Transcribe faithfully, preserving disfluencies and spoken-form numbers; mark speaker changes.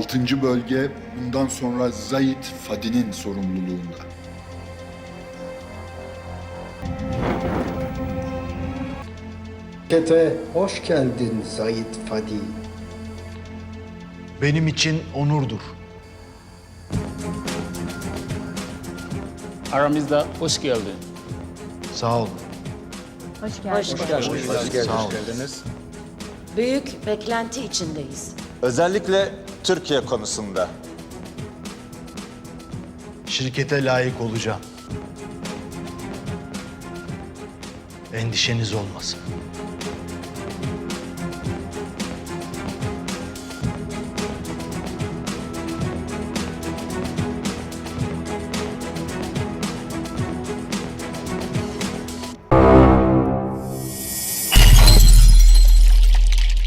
Speaker 1: Altıncı bölge bundan sonra Zahit Fadi'nin sorumluluğunda.
Speaker 2: Şirkete hoş geldin Zahit Fadi.
Speaker 3: Benim için onurdur.
Speaker 4: Aramızda hoş geldin.
Speaker 3: Sağ olun.
Speaker 5: Hoş geldiniz.
Speaker 3: Sağ olun.
Speaker 6: Büyük beklenti içindeyiz.
Speaker 7: Özellikle Türkiye konusunda.
Speaker 3: Şirkete layık olacağım. Endişeniz olmasın.